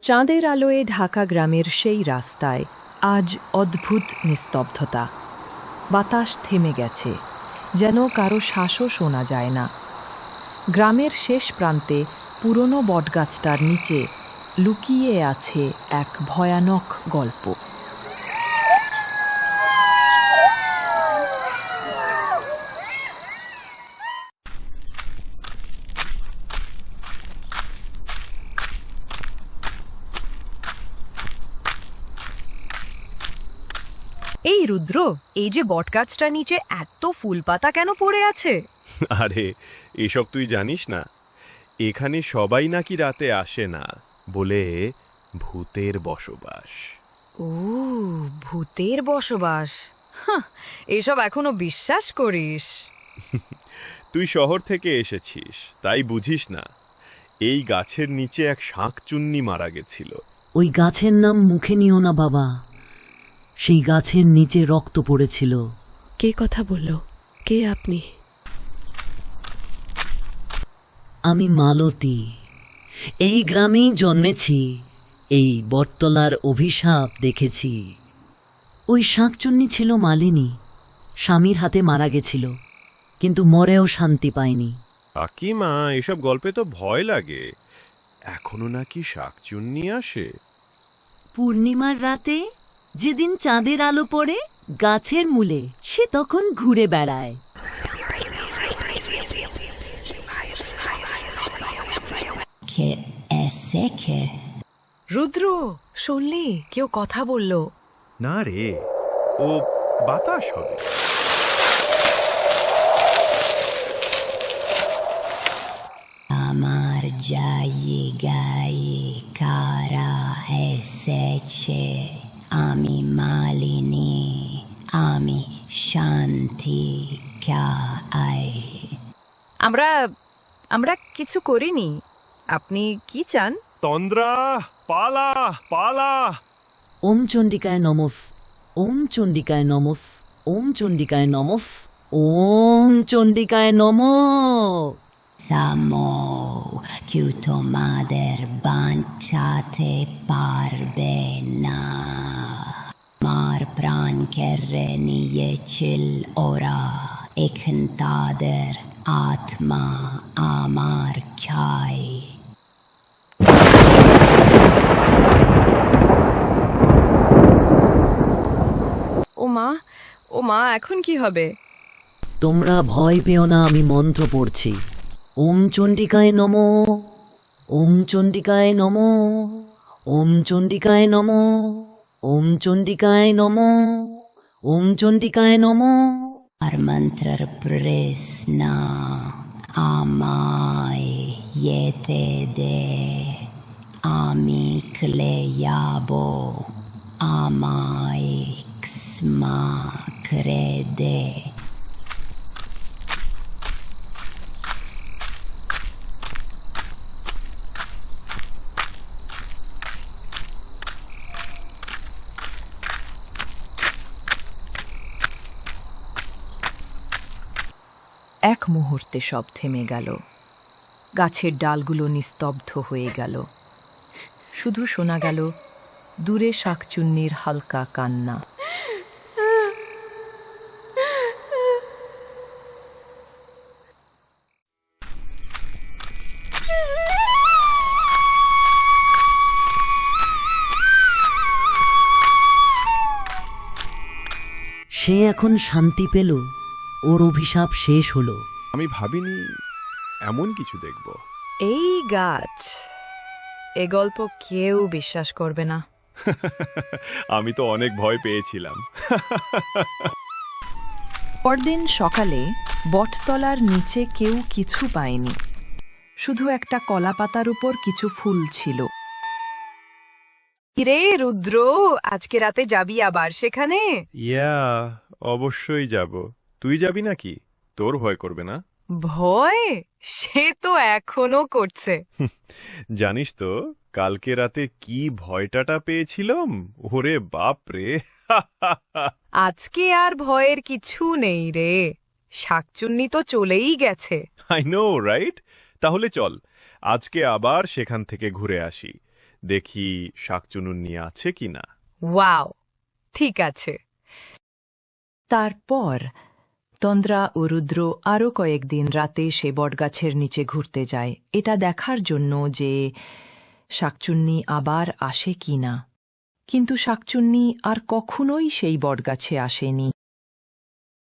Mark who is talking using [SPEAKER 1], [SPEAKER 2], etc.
[SPEAKER 1] চাঁদের আলোয় ঢাকা গ্রামের সেই রাস্তায় আজ অদ্ভুত নিস্তব্ধতা। বাতাস থেমে গেছে, যেন কারো শ্বাসও শোনা যায় না। গ্রামের শেষ প্রান্তে পুরনো বটগাছটার নিচে লুকিয়ে আছে এক ভয়ানক গল্প। এই রুদ্র, এই যে বটগাছটার নিচে এত ফুলপাতা কেন পড়ে আছে?
[SPEAKER 2] আরে এসব তুই জানিস না? এখানে সবাই নাকি রাতে আসে না বলে ভূতের বসবাস।
[SPEAKER 3] ও, ভূতের বসবাস। হাহ, এসব এখনো বিশ্বাস করিস?
[SPEAKER 2] তুই শহর থেকে এসেছিস তাই বুঝিস না। এই গাছের নিচে এক শাঁকচুন্নি মারা গেছিল।
[SPEAKER 4] ওই গাছের নাম মুখে নিও না বাবা। সেই গাছের নিচে রক্ত পড়েছিল।
[SPEAKER 5] কে কথা বলল? কে আপনি?
[SPEAKER 4] আমি মালতী, এই গ্রামেই জন্মেছি, এই বটতলার অভিশাপ দেখেছি। ওই শাঁকচুন্নি ছিল মালিনী, স্বামীর হাতে মারা গেছিল, কিন্তু মরেও শান্তি পায়নি।
[SPEAKER 2] কাকিমা, এসব গল্পে তো ভয় লাগে। এখনো নাকি শাঁকচুন্নি আসে?
[SPEAKER 4] পূর্ণিমার রাতে যেদিন চাঁদের আলো পড়ে গাছের মূলে, সে তখন ঘুরে বেড়ায়।
[SPEAKER 3] রুদ্র, শুনলি কেউ কথা বলল?
[SPEAKER 2] না রে, ও বাতাস হবে।
[SPEAKER 6] আমার জায়গায় কারা এসেছে? আমি মালিনী, আমি শান্তি চাই।
[SPEAKER 3] আমরা কিছু করিনি। আপনি কি চান?
[SPEAKER 2] তন্দ্রা, পালা পালা।
[SPEAKER 4] ওম চণ্ডিকায় নমঃ, ওম চণ্ডিকায় নমঃ, ওম চণ্ডিকায় নমঃ, ওম চণ্ডিকায় নমঃ।
[SPEAKER 6] থামো, কেউ তোমাদের বাঁচাতে পারবে না। আমার প্রাণ কেড়ে নিয়েছিল ওরা, এখন তাদের আত্মা আমার চাই।
[SPEAKER 3] ও মা, এখন কি হবে?
[SPEAKER 4] তোমরা ভয় পেও না, আমি মন্ত্র পড়ছি। ওম চণ্ডিকায় নমঃ, ওম চণ্ডিকায় নমঃ, ওম চণ্ডিকায় নমঃ, ওম চণ্ডিকায় নমঃ, ওম চণ্ডিকায় নমঃ।
[SPEAKER 6] আর মন্ত্রের প্রশ্ন আমায় যেতে দে, আমি চলে যাব, আমায় ক্ষমা করে দে।
[SPEAKER 1] এক মুহূর্তে সব থেমে গেল। গাছের ডালগুলো নিস্তব্ধ হয়ে গেল। শুধু শোনা গেল দূরে শাঁকচুন্নির হালকা কান্না।
[SPEAKER 4] সে এখন শান্তি পেল, ওর অভিশাপ শেষ হলো।
[SPEAKER 2] আমি ভাবিনি এমন কিছু দেখব।
[SPEAKER 3] এই গাছ, এ গল্প কেউ বিশ্বাস করবে না।
[SPEAKER 2] আমি তো অনেক ভয় পেয়েছিলাম।
[SPEAKER 1] পরদিন সকালে বটতলার নিচে কেউ কিছু পায়নি, শুধু একটা কলাপাতার উপর কিছু ফুল ছিল।
[SPEAKER 3] রে রুদ্র, আজকে রাতে যাবি আবার সেখানে?
[SPEAKER 2] ইয়া, অবশ্যই যাব। তুই যাবি নাকি? তোর ভয় করবে না?
[SPEAKER 3] ভয় সে তো এখনো করছে।
[SPEAKER 2] জানিস তো কালকে রাতে কি ভয়টাটা পেয়েছিলাম? ওরে বাপ রে!
[SPEAKER 3] আজকে আর ভয়ের কিছু নেই রে, শাকচুন্নি তো চলেই গেছে।
[SPEAKER 2] I know, right? তাহলে চল আজকে আবার সেখান থেকে ঘুরে আসি। দেখি শাকচুনুন্নি আছে কিনা।
[SPEAKER 3] ওয়াও, ঠিক আছে।
[SPEAKER 1] তারপর তন্দ্রা ও রুদ্র আরও কয়েকদিন রাতে সে বটগাছের নিচে ঘুরতে যায়, এটা দেখার জন্য যে শাকচুন্নি আবার আসে কিনা। কিন্তু শাকচুন্নি আর কখনোই সেই বটগাছে আসেনি।